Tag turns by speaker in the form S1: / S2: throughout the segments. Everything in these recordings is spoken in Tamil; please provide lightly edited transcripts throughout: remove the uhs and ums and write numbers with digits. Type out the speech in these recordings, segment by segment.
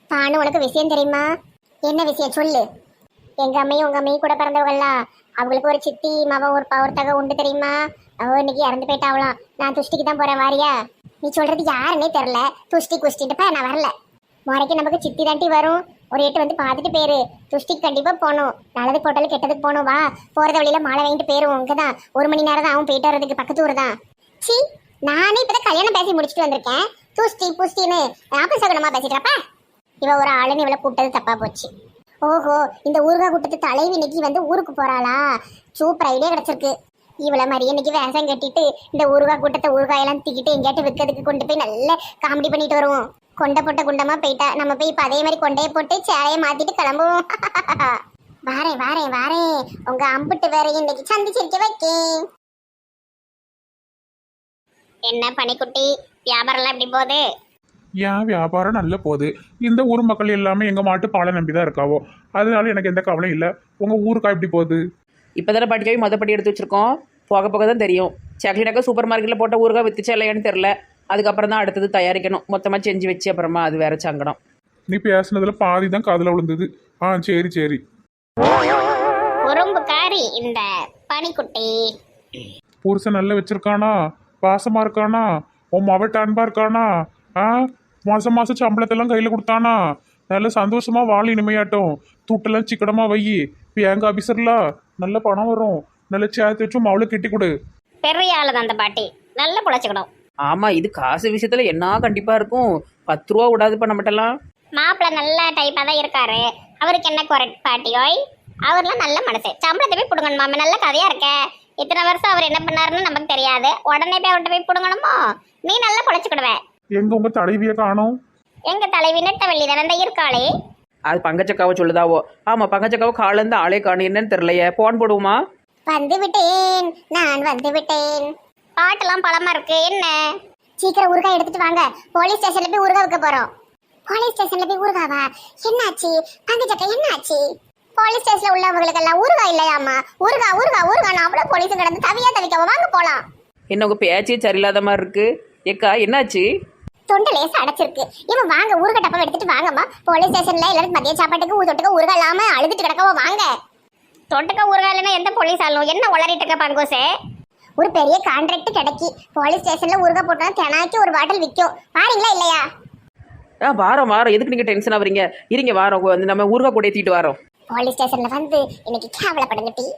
S1: பானு, உனக்கு விஷயம் தெரியுமா? என்ன விஷயம் சொல்லு. எங்க அம்மையும் உங்க அம்மையும் கூட பிறந்தவங்கலாம், அவங்களுக்கு ஒரு சித்தி மவ ஒருத்தக உண்டு தெரியுமா? அவ இன்னைக்கு இறந்து போயிட்டாவலாம். நான் துஷ்டிக்கு தான் போறேன், வாரியா? நீ சொல்றது யாருன்னே தெரியல. துஷ்டி குஷ்டிட்டு நான் வரல. முறைக்கு நமக்கு சித்தி தாண்டி வரும். ஒரு எட்டு வந்து பார்த்துட்டு பேரு. துஷ்டிக்கு கண்டிப்பா போகணும். நல்லது போட்டாலும் கெட்டதுக்கு போகணும். வா, போறத வழியில மாலை வாங்கிட்டு போயிருவோம். இங்கதான் 1 மணி நேரம் தான் அவன் போயிட்டு வர்றதுக்கு, பக்கத்து ஊர் தான். சி, நானே இப்பதான் கல்யாணம் பேசி முடிச்சுட்டு வந்திருக்கேன். துஷ்டி புஷ்டின்னு ஆபசகுணமா பேசிட்டப்ப இவ ஒரு ஆளுன்னு இவளை கூப்பிட்டது தப்பா போச்சு. ஓஹோ, இந்த ஊருகா கூட்டத்து தலைவி இன்னைக்கு வந்து ஊருக்கு போறாளா? சூப்பர் ஐடியா கிடைச்சிருக்கு. இவளை மாதிரி இன்னைக்கு வேஷம் கட்டிட்டு இந்த ஊருகா கூட்டத்தை ஊறுகாயெல்லாம் தூக்கிட்டு எங்கேயாட்டு விற்கிறதுக்கு கொண்டு போய் நல்ல காமெடி பண்ணிட்டு வருவோம். கொண்டை போட்ட குண்டமா போயிட்டா, நம்ம போய் இப்ப அதே மாதிரி கொண்டையை போட்டு சேலையை மாத்திட்டு கிளம்புவோம். வாரேன் வாரேன் வாரேன், உங்க அம்புட்டு வேறையும் இன்னைக்கு சந்திச்சிருக்க வைக்கேன். என்ன பனிக்குட்டி, வியாபாரம்லாம் எப்படி போகுது?
S2: ஏன் வியாபாரம் நல்ல போகுது. இந்த ஊர் மக்கள் எல்லாமே எங்கள் மாட்டு பாலை நம்பி தான் இருக்காவோ, அதனால எனக்கு எந்த கவலையும் இல்லை. உங்கள் ஊருக்கா எப்படி போகுது?
S3: இப்போ தானே பாட்டிக்காய் மொதப்படி எடுத்து வச்சுருக்கோம். போக போக தான் தெரியும். சாக்லேட்டாக்கா சூப்பர் மார்க்கெட்டில் போட்ட ஊருக்கா வித்துச்சா இல்லையான்னு தெரில. அதுக்கப்புறம் தான் அடுத்தது தயாரிக்கணும். மொத்தமாக செஞ்சு வச்சு அப்புறமா அது வேற சங்கடம்.
S2: நீ பேசுனதுல பாதி தான் காதில் விழுந்தது. சரி சரி.
S1: உறும்புக்காரி இந்த பனிக்குட்டி.
S2: புருஷன் நல்லா வச்சிருக்கானா? பாசமா இருக்கானா? உன் மவட்ட அன்பா இருக்கானா? மாசம் மாசம் சம்பளத்தெல்லாம் கையில் கொடுத்தானா? நல்ல சந்தோஷமா வாழ் இனிமையாட்டும். துட்டெல்லாம் சிக்கனமா வை. பேங்க் ஆபீசர்ல நல்ல பணம் வரும். நல்ல சேர்த்து வச்சு அவளை கெட்டி கொடு.
S1: பெரிய ஆளு தான் அந்த பாட்டி, நல்லா பொழைச்சிக்கணும்.
S3: ஆமாம், இது காசு விஷயத்தில் என்ன கண்டிப்பாக இருக்கும். 10 ரூபா விடாது பண்ண மாட்டலாம்.
S1: மாப்பிள்ள நல்ல டைப்பாக தான் இருக்காரு. அவருக்கு என்ன குறை பாட்டியோய்? அவர்லாம் நல்ல மனசு. சம்பளத்தை போய் பிடுங்கணும் மாமா, நல்ல கதையா இருக்க. இத்தனை வருஷம் அவர் என்ன பண்ணாருன்னு நமக்கு தெரியாது. உடனே போய் அவர்கிட்ட போய் பிடுங்கணுமோ? நீ நல்லா பொழைச்சிக்கிடுவேன்.
S2: எங்க உங்க தலைவியை காணோம்?
S1: எங்க தலைவி நெட்டவள்ளி தானே இருக்காளே.
S3: அது பங்கச்சக்காவை சொல்லுதாவோ. ஆமாம், பங்கச்சக்காவை காலேருந்து ஆளே காணும். என்னன்னு தெரியலையே. போன் போடுவோமா?
S1: வந்து விட்டேன், நான் வந்து விட்டேன். பாட்டெல்லாம் பழமா இருக்கு. என்ன சீக்கிரம் ஊறுகாய் எடுத்துட்டு வாங்க. போலீஸ் ஸ்டேஷன்ல போய் ஊறுகாய் வைக்க போறோம். போலீஸ் ஸ்டேஷன்ல போய் ஊறுகாவா? என்னாச்சு பங்கச்சக்கா, என்னாச்சு? போலீஸ் ஸ்டேஷன்ல உள்ளவங்களுக்கு எல்லாம் ஊறுகாய் இல்லையாமா? ஊறுகாய் ஊறுகாய் ஊறுகாய் அவ்வளவு போலீஸ் கிடந்து தவிக்காம வாங்க போலாம்.
S3: என்ன உங்கள் பேச்சே சரியில்லாத மாதிரி இருக்கு. ஏக்கா என்னாச்சு?
S1: தொண்டை லேசா அடைச்சிருக்கு. இவன் வாங்க ஊறுகாய் டப்பா எடுத்துட்டு வாங்கம்மா. போலீஸ் ஸ்டேஷன்ல எல்லாரும் மதிய சாப்பாட்டுக்கு தொட்டுக்க ஊறுகாய் இல்லாம அழுதுட்டு கிடக்கவோ வாங்க. தொட்டுக்க ஊறுகாய் இல்லைன்னா எந்த போலீஸ் ஆளும் என்ன உளறிட்டு இருக்க பங்கோசே? ஒரு பெரிய கான்ட்ராக்ட் கிடைக்கி போலீஸ் ஸ்டேஷன்ல ஊறுகாய் போட்டா தினாக்கி ஒரு பாட்டில் விற்கும். வாரீங்களா இல்லையா?
S3: வாரம் வாரம் எதுக்கு நீங்கள் டென்ஷன் ஆகுறீங்க? இருங்க வாரம் வந்து நம்ம ஊறுகாய் கூட ஏற்றிட்டு வரோம்.
S1: போலீஸ் ஸ்டேஷன்ல வந்து இன்னைக்கு கேவலப்படுங்க டி.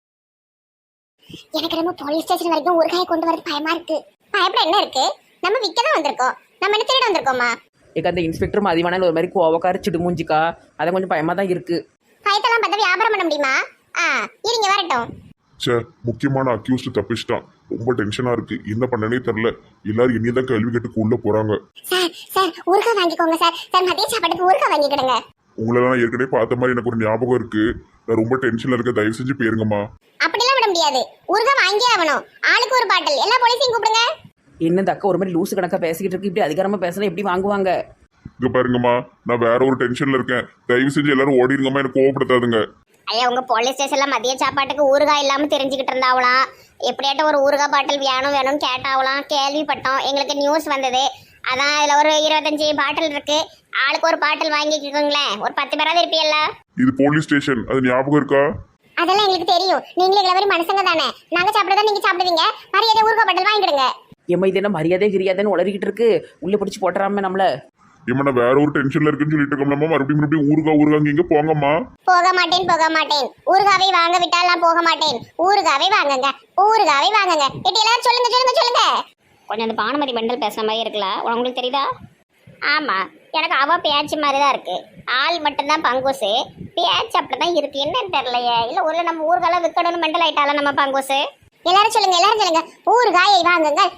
S1: எனக்கு நம்ம போலீஸ் ஸ்டேஷன் வரைக்கும் ஊறுகாயை கொண்டு வரது பயமா இருக்கு. பயப்பட என்ன இருக்கு? நம்ம விற்க தான் வந்திருக்கோம். நம்ம என்ன திருட வந்திருக்கோமா?
S3: ஏக்கா அந்த இன்ஸ்பெக்டர் மதிவான ஒரு மாதிரி கோவக்கார சிடுமூஞ்சிக்கா, அதை கொஞ்சம் பயமாக தான் இருக்கு.
S1: பயத்தெல்லாம் பார்த்தா வியாபாரம் பண்ண முடியுமா? இருங்க வரட்டும்.
S4: சே, முக்கியமான அக்யூஸ்ட் தப்பிச்சிட்டான். ரொம்ப டென்ஷனா இருக்கு. என்ன பண்ணனே தெரியல. எல்லாரும் இனிதான் கேள்வி கேட்டுக்கு உள்ள போறாங்க.
S1: சார் சார் ஊறுகாய் வாங்கிக்கோங்க சார். சார் மதிய சாப்பாட்டுக்கு ஊறுகாய் வாங்கிக்கிடுங்க.
S4: உங்களெல்லாம் நான் ஏற்கனவே பார்த்த மாதிரி எனக்கு ஒரு ஞாபகம் இருக்கு. நான் ரொம்ப டென்ஷன்ல இருக்க. தயவு செஞ்சு போயிருங்கம்மா.
S1: அப்படிலாம் விட முடியாது. ஊறுகாய் வாங்கியே ஆகணும். ஆளுக்கு ஒரு பாட்டில். எல்லா போலீஸையும் கூப்பிடுங்க.
S3: என்ன இந்த அக்கா ஒரு மாதிரி லூசு கணக்காக பேசிக்கிட்டு இருக்கு. இப்படி அதிகாரமாக பேசினா எப்படி வாங்குவாங்க?
S4: இங்க பாருங்கம்மா, நான் வேற ஒரு டென்ஷன்ல இருக்கேன். தயவு செஞ்சு எல்லாரும் ஓடிருங்கம்மா. எனக்கு கோவப்படுத்தாதுங்க.
S1: ஐயா, உங்க போலீஸ் ஸ்டேஷன்ல மதிய சாப்பாட்டுக்கு ஊறுகாய் இல்லாம தெரிஞ்சுக்கிட்டு இருந்தாவலாம். எப்படியாட்டும் ஒரு ஊறுகாய் பாட்டில் வேணும்னு கேட்டாவலாம். கேள்விப்பட்டோம், எங்களுக்கு நியூஸ் வந்தது. அதான் இதுல ஒரு 25 பாட்டில் இருக்கு. ஆளுக்கு ஒரு பாட்டில் வாங்கிக்கோங்களேன். ஒரு 10 பேராவது இருப்பீல்ல?
S4: இது போலீஸ் ஸ்டேஷன், அது ஞாபகம் இருக்கா?
S1: அதெல்லாம் எங்களுக்கு தெரியும். நீங்களும் எங்களை மாதிரி மனுஷங்க தானே. நாங்க சாப்பிடுறதா நீங்க சாப்பிடுவீங்க. மரியாதை ஊறுகாய் பாட்டில் வாங்கிடுங்க.
S3: ஏம்மா இது என்ன மரியாதை கிரியாதைன்னு உளறிக்கிட்டு இருக்கு. உள்ளே பிடிச்சி போட்டுறாம நம்மள.
S4: ஏம்மா நான் வேற ஒரு டென்ஷன்ல இருக்குன்னு சொல்லிட்டு இருக்கோம்லம்மா. மறுபடியும் ஊறுகாங்க போங்கம்மா.
S1: போக மாட்டேன். ஊறுகாவை வாங்க விட்டால் நான் போக மாட்டேன். ஊறுகாவை வாங்குங்க. இட்டு எல்லாரும் சொல்லுங்க. கொஞ்சம் அந்த பானுமதி பண்டல் பேசுற மாதிரி இருக்குல்ல, உங்களுக்கு தெரியுதா? ஆமா, எனக்கு அவ பேச்சு மாதிரி தான் இருக்கு. ஆள் மட்டும்தான் பங்கோசு. பேச்சு அப்படிதான் இருக்கு. என்னன்னு தெரியலையே. இல்ல ஒரு நம்ம ஊறுகால விற்கணும்னு மெண்டல் ஆயிட்டால நம்ம பங்கோசு. எல்லாரும் சொல்லுங்க. ஊறுகாயை வாங்குங்கள்.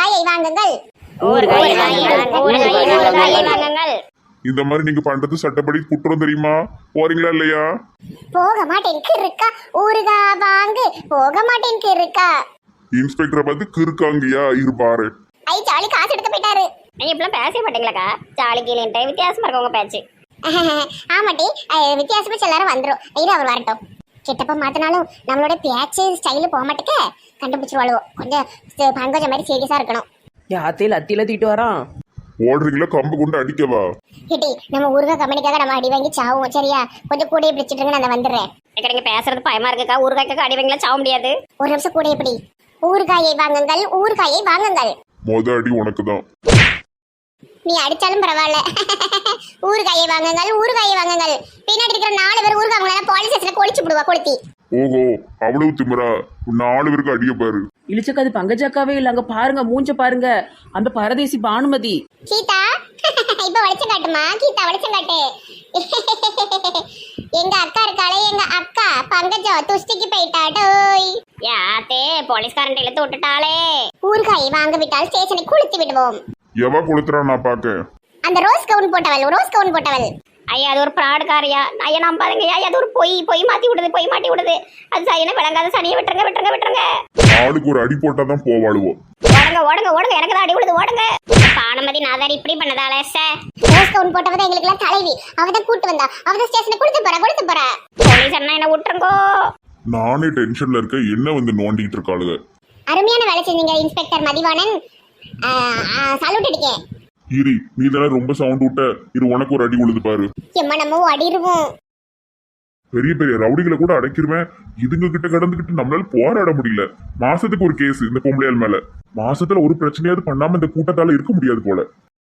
S4: இந்த மாதிரி நீங்க பண்றது சட்டப்படி குற்றம் தெரியுமா? போறீங்களா இல்லையா?
S1: போக மாட்டேன் இருக்கா. ஊறுகாய் வாங்கு. போக மாட்டேன் இருக்கா.
S4: இன்ஸ்பெக்டரை பார்த்து கிறுக்காங்கயா இருப்பாரு.
S1: ஐ ஜாலி காசு எடுத்து போயிட்டாரு. நீங்க இப்பெல்லாம் பேச மாட்டீங்களாக்கா? ஜாலி கீழே வித்தியாசமா இருக்கு உங்க பேச்சு. ஆமாட்டி, வித்தியாசமா எல்லாரும் வந்துடும். இது அவர் வரட்டும். கிட்டப்ப மாத்தினாலும் நம்மளோட பேச்சு ஸ்டைலு போக மாட்டேக்க. கண்டுபிடிச்சிருவாளுவோ. கொஞ்சம் பங்கஜ மாதிரி சீரியஸா இருக்கணும்.
S3: அத்தியில தீட்டு வரான்.
S4: ஓடுறீங்களா கம்பு கொண்டு அடிக்கவா?
S1: கிட்டி நம்ம ஊறுகாய் கம்பெனிக்காக நம்ம அடி வாங்கி சாவும் சரியா? கொஞ்சம் கூடையை பிடிச்சிட்டு நான் வந்துடுறேன்.
S5: நீங்க பேசுறது பயமா இருக்குக்கா. ஊறுகாய்க்காக அடி வாங்கலாம் சாவ முடியாது.
S1: ஒரு நிமிஷம் கூடையை பிடி. ஊறுகாயை வாங்குங்கள், ஊறுகாயை வாங்குங்கள்.
S4: மொத அடி உனக்கு தான்.
S1: நீ அடிச்சாலும் பரவாயில்ல. ஊறுகாயை வாங்குங்கள், ஊறுகாயை வாங்குங்கள். பின்னாடி இருக்கிற 4 பேர் ஊறுகாய் வாங்கலாம் போலீஸ் ஸ்டேஷன்ல கொளிச்சு விடுவா கொளுத்தி.
S4: ஓஹோ, அவ்வளவு திமிரா? 4 பேருக்கு அடிய பாரு.
S3: இழிச்சக்கா அது பங்கஜாக்காவே இல்லை, அங்கே பாருங்க மூஞ்ச பாருங்க, அந்த பரதேசி பானுமதி.
S1: கீதா இப்ப வளைச்சம் காட்டுமா? கீதா வளைச்சம் காட்டு. எங்க அக்கா இருக்காளே, எங்க அக்கா பங்கஜா துஷ்டிக்கு போயிட்டாடோய்.
S5: யாத்தே போலீஸ்காரன் இழுத்து விட்டுட்டாளே.
S1: ஊறுகாயை வாங்க விட்டால் ஸ்டேஷனை குளித்து விடுவோம்.
S4: எவா கொளுத்துறா நான் பாக்க?
S1: அந்த ரோஸ் கவுன் போட்டவள்.
S5: ஐயா அது ஒரு பிராடுக்காரியா. ஐயா நம்பாதுங்கய்யா. அது ஒரு பொய் மாத்தி விடுது. அது சரியான விளங்காத சனியை விட்டுருங்க.
S4: ஆளுக்கு ஒரு அடி போட்டாதான் போவாளுவோம்.
S5: ஓடுங்க எனக்கு தான் அடி விடுது. ஓடுங்க. பானுமதி நாதாரி இப்படி பண்ணதால
S1: ரோஸ் கவுன் போட்டவதான் எங்களுக்கு எல்லாம் தலைவி. அவதான் கூட்டு வந்தா. அவதான் ஸ்டேஷனை குளித்து போறா.
S5: போலீஸ் அண்ணா என்ன விட்டுருங்கோ.
S4: நானே டென்ஷன்ல இருக்க, என்ன வந்து நோண்டிட்டு இருக்காளுங்க.
S1: அருமையான வேலை செஞ்சீங்க இன்ஸ்பெக்டர் மதிவாணன். சல்யூட் அடிக்கேன்.
S4: இரு, நீ தானே ரொம்ப சவுண்ட் விட்ட. இரு, உனக்கு ஒரு அடி விழுது பாரு.
S1: எம்மா நம்ம அடிருவோம்.
S4: பெரிய பெரிய ரவுடிகளை கூட அடைக்கிருவேன். இதுங்க கிட்ட கடந்துகிட்டு நம்மளால போராட முடியல. மாசத்துக்கு ஒரு கேஸ் இந்த பொம்பளையால் மேல. மாசத்துல ஒரு பிரச்சனையாவது பண்ணாம இந்த கூட்டத்தால இருக்க முடியாது போல.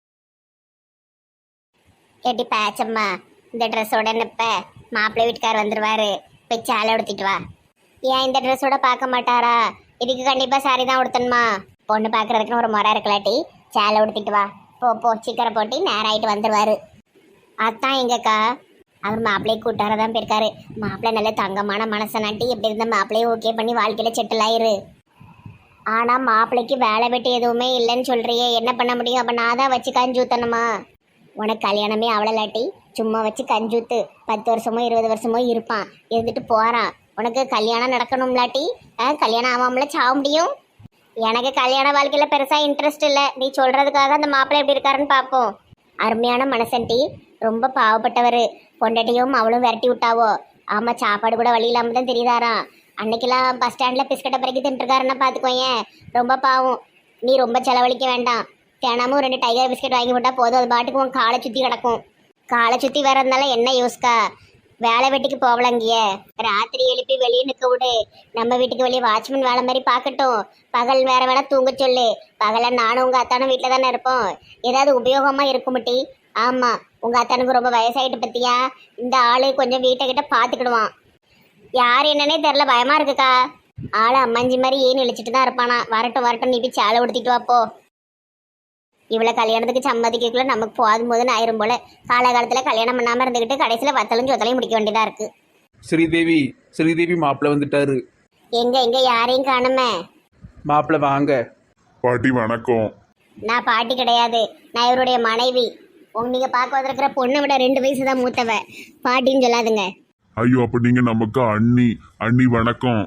S1: கேட்டி பேச்சம்மா, இந்த ட்ரெஸ்ஸோட நிப்ப மாப்பிள்ளை வீட்டுக்கார் வந்துருவாரு. போய் சேலை உடுத்திட்டு வா. ஏன் இந்த ட்ரெஸ்ஸோட பார்க்க மாட்டாரா? இதுக்கு கண்டிப்பா சாரி தான் உடுத்தணுமா? பொண்ணு பாக்குறதுக்குன்னு ஒரு முறை இருக்கலாட்டி சேலை உடுத்திட்டு வா. போ சீக்கிரம் போட்டி நேரம் ஆயிட்டு வந்துருவாரு. அதான் எங்கக்கா அவர் மாப்பிள்ளையை கூட்டாரதான் போயிருக்காரு. மாப்பிள்ளை நல்ல தங்கமான மனசை நாட்டி எப்படி இருந்த மாப்பிள்ளையை ஓகே பண்ணி வாழ்க்கையில செட்டில் ஆயிரு. ஆனா மாப்பிள்ளைக்கு வேலை வெட்டி எதுவுமே இல்லைன்னு சொல்றியே, என்ன பண்ண முடியும்? அப்ப நான் தான் வச்சு கஞ்சூத்தணுமா? உனக்கு கல்யாணமே அவளலாட்டி சும்மா வச்சு கஞ்சூத்து 10 வருஷமோ 20 வருஷமோ இருப்பான், இருந்துட்டு போறான். உனக்கு கல்யாணம் நடக்கணும்லாட்டி கல்யாணம் ஆகாமல சாக முடியும். எனக்கு கல்யாண வாழ்க்கையில பெருசா இன்ட்ரெஸ்ட் இல்லை. நீ சொல்றதுக்காக அந்த மாப்பிள்ளை எப்படி இருக்காருன்னு பார்ப்போம். அருமையான மனசன்டி, ரொம்ப பாவப்பட்டவர். பொண்டாட்டியும் அவளும் விரட்டி விட்டாவோ. ஆமா, சாப்பாடு கூட வழி இல்லாம தான் தெரியுதாராம். அன்னைக்கெல்லாம் பஸ் ஸ்டாண்ட்ல பிஸ்கட்டை பிறக்கி தின்ட்டுருக்காருன்னா பாத்துக்கோயேன். ரொம்ப பாவம். நீ ரொம்ப செலவழிக்க வேண்டாம். தினமும் 2 டைகர் பிஸ்கட் வாங்கி போட்டா போதும். அது பாட்டுக்கு உன் காலை சுத்தி கிடக்கும். காலை சுத்தி வரதுனால என்ன யூஸ்கா? வேலை வெட்டிக்கு போகலங்கிய ராத்திரி எழுப்பி வெளியே நிற்க விடு. நம்ம வீட்டுக்கு வெளியே வாட்ச்மேன் வேலை மாதிரி பார்க்கட்டும். பகல் வேற வேணா தூங்க சொல்லு. பகல நானும் உங்க அத்தானும் வீட்டில் தானே இருப்போம். ஏதாவது உபயோகமா இருக்குமிட்டி. ஆமா, உங்க அத்தானுக்கு ரொம்ப வயசாயிட்டு பத்தியா. இந்த ஆளு கொஞ்சம் வீட்டை கிட்ட பாத்துக்கிடுவான். யார் என்னன்னே தெரியல, பயமா இருக்குக்கா. ஆளு அம்மாஞ்சி மாதிரி ஏன் இழிச்சிட்டு தான் இருப்பானா. வரட்டும் நீ போய் சேலை உடுத்திட்டு வாப்போ. இவ்வளோ கல்யாணத்துக்கு சம்மதிக்கக்குள்ள நமக்கு போதும் ஆயிரும் போல. காலகாலத்துல கல்யாணம் பண்ணாம இருந்துகிட்டு கடைசியில வத்தலும் சொத்தலையும் முடிக்க வேண்டியதா இருக்கு.
S3: ஸ்ரீதேவி மாப்பிள்ளை வந்துட்டாரு.
S1: எங்க யாரையும் காணுமே.
S3: மாப்பிள்ளை வாங்க.
S4: பாட்டி வணக்கம்.
S1: நான் பாட்டி கிடையாது, நான் இவருடைய மனைவி. நீங்க பார்க்க வந்திருக்கிற பொண்ணை விட 2 வயசு தான் மூத்தவ. பாட்டின்னு சொல்லாதுங்க.
S4: ஐயோ, அப்ப நீங்க நமக்கு அண்ணி வணக்கம்.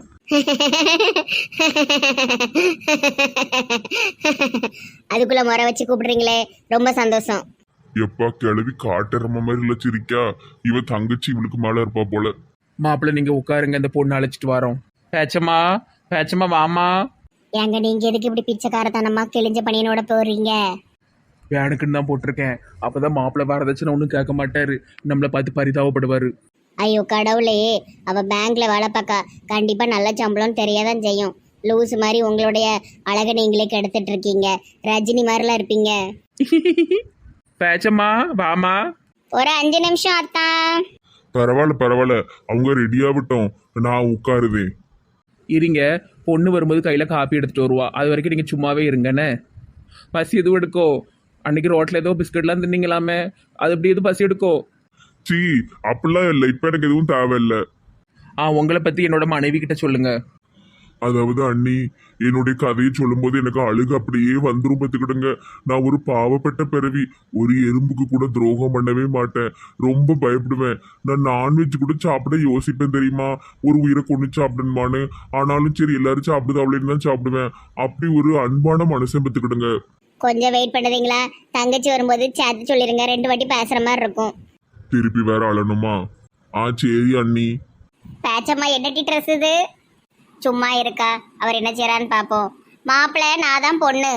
S1: அதுக்குள்ள முறை வச்சு கூப்பிடுறீங்களே, ரொம்ப சந்தோஷம்.
S4: எப்பா கிளவி காட்டுறம மாதிரி இல்ல சிரிக்கா. இவ தங்கச்சி இவளுக்கு மேல இருப்பா போல.
S3: மாப்பிள்ளை நீங்க உட்காருங்க, இந்த பொண்ணு அழைச்சிட்டு வரோம். பேச்சம்மா வாமா.
S1: ஏங்க நீங்க எதுக்கு இப்படி பிச்சைக்காரத்தனமா கிழிஞ்ச பணியனோட போடுறீங்க?
S3: வேனுக்குன்னு தான் போட்டிருக்கேன். அப்பதான் மாப்பிள்ளை வரதட்சணை ஒன்றும் கேட்க மாட்டாரு, நம்மளை பார்த்து பரிதாபப்படுவாரு.
S1: ஐயோ கடவுளே, அவ பேங்க்ல வேலை பார்க்கா. கண்டிப்பா நல்ல சம்பளம் தெரியாதான் செய்யும். லூஸ் மாதிரி உங்களுடைய அழகை நீங்களே கெடுத்துட்டு இருக்கீங்க. ரஜினி மாதிரிலாம் இருப்பீங்க.
S3: பேச்சம்மா வாமா.
S1: ஒரு 5 நிமிஷம் அத்தான்.
S4: பரவாயில்ல, அவங்க ரெடியாகட்டும், நான் உட்காருதேன்.
S3: இருங்க, பொண்ணு வரும்போது கையில் காப்பி எடுத்துகிட்டு வருவா. அது வரைக்கும் நீங்கள் சும்மாவே இருங்கண்ணே. பசி எதுவும் எடுக்கோ. அன்னைக்கு ரோட்டில் ஏதோ பிஸ்கட்லாம் தின்னீங்களாமே, அது எப்படி எதுவும் பசி எடுக்கோ?
S4: சீ, அப்படிலாம் இல்லை. இப்போ எனக்கு எதுவும் தேவையில்லை.
S3: உங்களை பற்றி என்னோட மனைவி கிட்ட சொல்லுங்க.
S4: அதாவது அண்ணி, என்னுடைய கதையை சொல்லும்போது எனக்கு அழுகு அப்படியே வந்துரும் பார்த்துக்கிடுங்க. நான் ஒரு பாவப்பட்ட பிறவி. ஒரு எறும்புக்கு கூட துரோகம் பண்ணவே மாட்டேன். ரொம்ப பயப்படுவேன். நான் நான்வெஜ் கூட சாப்பிட யோசிப்பேன் தெரியுமா, ஒரு உயிரை கொண்டு சாப்பிடணுமான்னு. ஆனாலும் சரி, எல்லாரும் சாப்பிடுது அவளேன்னு தான் சாப்பிடுவேன். அப்படி ஒரு அன்பான மனுஷன் பார்த்துக்கிடுங்க.
S1: கொஞ்சம் வெயிட் பண்ணுறீங்களா? தங்கச்சி வரும்போது சேர்த்து சொல்லிருங்க. 2 வாட்டி பேசுற மாதிரி இருக்கும்.
S4: திருப்பி வேற அழணுமா? சரி அண்ணி.
S1: பேச்சம்மா என்னட்டி ட்ரெஸ் இது? சும்மா இருக்கா, அவர் என்ன செய்யறான்னு பாப்போம். மாப்பிள்ளை நான் தான் பொண்ணு.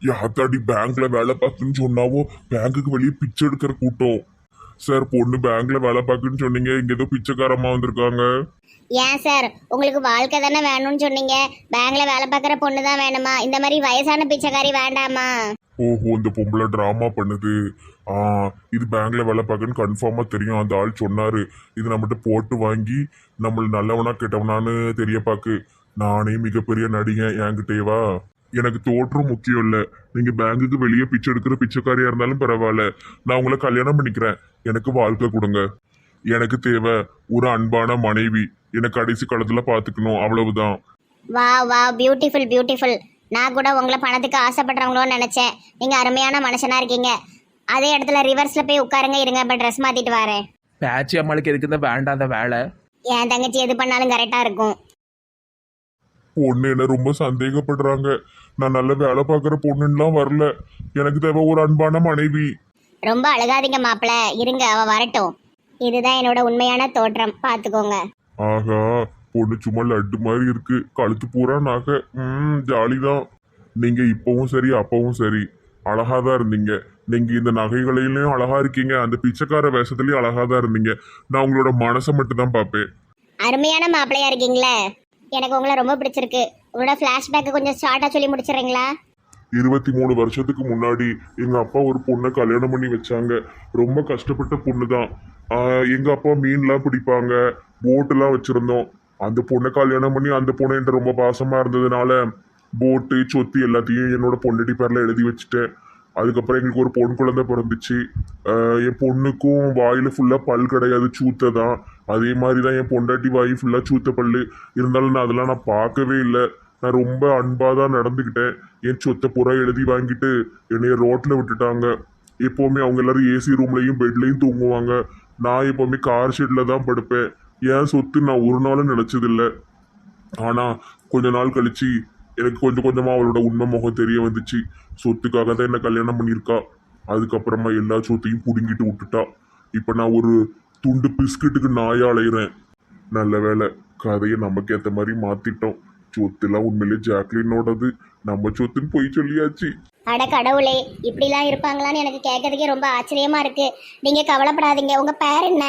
S4: யாத்தாடி பேங்க்ல வேலை பார்க்குன்னு சொன்னாவோ பேங்குக்கு வெளியே பிச்சை எடுக்கிற கூட்டம். சார் பொண்ணு பேங்க்ல வேலை பார்க்குன்னு சொன்னீங்க, இங்க ஏதோ பிச்சைக்காரம்மா வந்திருக்காங்க.
S1: ஏன் சார் உங்களுக்கு வாழ்க்கை தானே வேணும்னு சொன்னீங்க, பேங்க்ல வேலை பார்க்குற பொண்ணு தான் வேணுமா? இந்த மாதிரி வயசான பிச்சைக்காரி வேண்டாமா?
S4: ஓஹோ, இந்த பொம்பளை டிராமா பண்ணுது. ஆ, இது பேங்க்ல வேலை பார்க்குன்னு கன்ஃபார்மா தெரியும். அந்த ஆள் சொன்னாரு. இது நம்மகிட்ட போட்டு வாங்கி நம்மள நல்லவனா கெட்டவனான்னு தெரிய பாக்கு. நானே மிகப்பெரிய நடிகன், என்கிட்டேவா? எனக்கு தோற்றம் முக்கியம் இல்ல. நீங்க பேங்குக்கு வெளியே பிச்சை எடுக்கிற பிச்சைக்காரியா இருந்தாலும் பரவாயில்ல, நான் உங்களை கல்யாணம் பண்ணிக்கிறேன். எனக்கு வாழ்க்கை கொடுங்க. எனக்கு தேவை ஒரு அன்பான மனைவி, எனக்கு கடைசி காலத்துல பாத்துக்கணும், அவ்வளவுதான்.
S1: வா வா, பியூட்டிஃபுல் பியூட்டிஃபுல். நான் கூட உங்களை பணத்துக்கு ஆசைப்படுறவங்களோன்னு நினைச்சேன். நீங்க அருமையான மனுஷனா இருக்கீங்க. அதே இடத்துல ரிவர்ஸ்ல போய் உட்காருங்க, இருங்க, இப்போ ட்ரெஸ் மாத்திட்டு வரேன்.
S3: பேச்சு அம்மாளுக்கு எதுக்கு இந்த வேண்டாத வேலை?
S1: என் தங்கச்சி எது பண்ணாலும் கரெக்டா இருக்கும்.
S4: பொண்ணு என்ன ரொம்ப சந்தேகப்படுறாங்க. நான் நல்ல வேலை பார்க்குற பொண்ணுலாம் வரல. எனக்கு தேவை ஒரு அன்பான மனைவி.
S1: ரொம்ப அழுகாதீங்க மாப்பிள்ள, இருங்க அவ வரட்டும். இதுதான் என்னோட உண்மையான தோற்றம், பாத்துக்கோங்க.
S4: ஆகா, பொண்ணு சும்மா லட்டு மாதிரி இருக்கு. கழுத்து பூரா நகை. ஜாலிதான். நீங்க இப்பவும் சரி அப்பவும் சரி அழகா தான் இருந்தீங்க. நீங்க இந்த நகைகளிலையும் அழகா இருக்கீங்க, அந்த பிச்சைக்கார வேஷத்துலயும் அழகா தான் இருந்தீங்க. நான் உங்களோட மனசை மட்டும் தான் பார்ப்பேன்.
S1: அருமையான மாப்பிள்ளையா இருக்கீங்களே, எனக்கு உங்களை ரொம்ப பிடிச்சிருக்கு. உங்களோட ஃப்ளாஷ்பேக்கை கொஞ்சம் ஷார்ட்டா சொல்லி முடிச்சிடுறீங்களா?
S4: 23 வருஷத்துக்கு முன்னாடி எங்க அப்பா ஒரு பொண்ணை கல்யாணம் பண்ணி வச்சாங்க. ரொம்ப கஷ்டப்பட்ட பொண்ணு தான். எங்க அப்பா மீன்லாம் பிடிப்பாங்க, போட்டெல்லாம் வச்சிருந்தோம். அந்த பொண்ணை கல்யாணம் பண்ணி அந்த பொண்ணு என்கிட்ட ரொம்ப பாசமா இருந்ததுனால போட்டு சொத்து எல்லாத்தையும் என்னோட பொண்டாட்டி பேர்ல எழுதி வச்சுட்டேன். அதுக்கப்புறம் எங்களுக்கு ஒரு பொன் குழந்தை பிறந்துச்சு. என் பொண்ணுக்கும் வாயில ஃபுல்லா பல் கிடையாது, சூத்தை தான். அதே மாதிரி தான் என் பொண்டாட்டி வாய் ஃபுல்லா சூத்த பல்லு. இருந்தாலும் நான் பார்க்கவே இல்லை. நான் ரொம்ப அன்பாக தான் நடந்துக்கிட்டேன். என் சொத்தை புறா எழுதி வாங்கிட்டு என்னைய ரோட்டில் விட்டுட்டாங்க. எப்போவுமே அவங்க எல்லாரும் ஏசி ரூம்லையும் பெட்லையும் தூங்குவாங்க. நான் எப்போவுமே கார் ஷெட்டில் தான் படுப்பேன். என் சொத்து நான் ஒரு நாளும் நினச்சதில்லை. ஆனால் கொஞ்ச நாள் கழிச்சு எனக்கு கொஞ்சம் கொஞ்சமாக அவளோட உண்மை முகம் தெரிய வந்துச்சு. சொத்துக்காக தான் என்னை கல்யாணம் பண்ணியிருக்கா. அதுக்கப்புறமா எல்லா சொத்தையும் பிடுங்கிட்டு விட்டுட்டா. இப்போ நான் ஒரு துண்டு பிஸ்கட்டுக்கு நாயா அலையிறேன். நல்ல வேலை, கதையை நமக்கு ஏற்ற மாதிரி மாற்றிட்டோம். சொத்துலாம் உண்மையிலே ஜாக்லினோடது, நம்ம சொத்துன்னு போய் சொல்லியாச்சு.
S1: அட கடவுளே, இப்படிலாம் இருப்பாங்களான்னு எனக்கு கேட்கறதுக்கே ரொம்ப ஆச்சரியமா இருக்கு. நீங்க கவலைப்படாதீங்க. உங்க பேர் என்ன?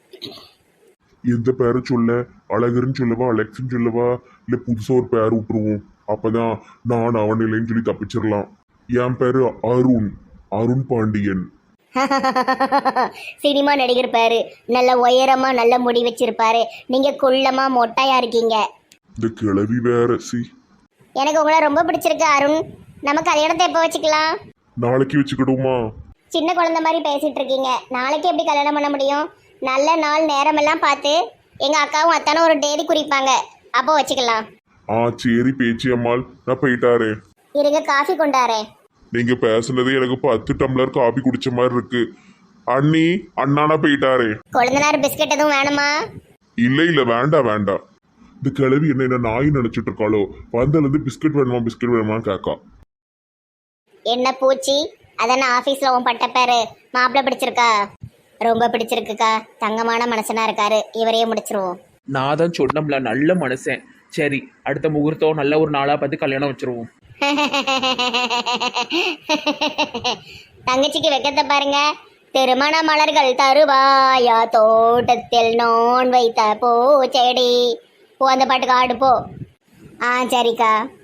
S4: எந்த பேரை சொல்ல? அழகர்னு சொல்லவா, அலெக்ஸ்ன்னு சொல்லவா, இல்லை புதுசாக ஒரு பேர் விட்டுருவோம். அப்பதான் நான் அவன் இல்லைன்னு சொல்லி தப்பிச்சிடலாம். என் பேரு அருண், அருண் பாண்டியன்.
S1: சினிமா நடிகர் பேரு. நல்ல உயரமா நல்ல முடி வச்சிருப்பாரு. நீங்க குள்ளமா மொட்டையா இருக்கீங்க.
S4: இந்த கிழவி வேற.
S1: எனக்கு உங்களை ரொம்ப பிடிச்சிருக்கு அருண். நம்ம கல்யாணத்தை எப்போ வச்சுக்கலாம்?
S4: நாளைக்கு வச்சுக்கிடுமா?
S1: சின்ன குழந்தை மாதிரி பேசிட்டு இருக்கீங்க. நாளைக்கு எப்படி கல்யாணம் பண்ண முடியும்? நல்ல நாள் நேரமெல்லாம் பார்த்து எங்க அக்காவும் அத்தானும் ஒரு டேதி குறிப்பாங்க, அப்போ வச்சுக்கலாம்.
S4: சரி பேச்சு அம்மாள், நான் போயிட்டாரே.
S1: இருங்க, காஃபி கொண்டாரேன்.
S4: நீங்க பேசுனது எனக்கு 10 டம்ளர் காபி குடிச்ச மாதிரி இருக்கு. அண்ணி, அண்ணானா போயிட்டாரே.
S1: கொழுந்தனார் பிஸ்கட் எதுவும் வேணுமா?
S4: இல்ல வேண்டாம் வேண்டாம். இந்த கிழவி என்ன நாய் நினைச்சிட்டு இருக்காளோ? வந்ததுலேருந்து பிஸ்கட் வேணுமா கேக்கா.
S1: என்ன பூச்சி, அதான ஆபீஸ்ல உன் பட்ட பேரு. மாப்பிள்ள பிடிச்சிருக்கா? ரொம்ப பிடிச்சிருக்குக்கா. தங்கமான மனுஷனா இருக்காரு. இவரையே முடிச்சிருவோம்.
S3: நான் தான் சொன்னோம்ல, நல்ல மனுஷன். சரி, அடுத்த முகூர்த்தம் நல்ல ஒரு நாளாக பார்த்து கல்யாணம் வச்சிருவோம்.
S1: தங்கச்சிக்கு வெக்கத்தை பாருங்க. திருமண மலர்கள் தருவாயா தோட்டத்தில் நான் வைத்த பூச்செடி. போ, அந்த பாட்டுக்கு ஆடு போ. சரிக்கா.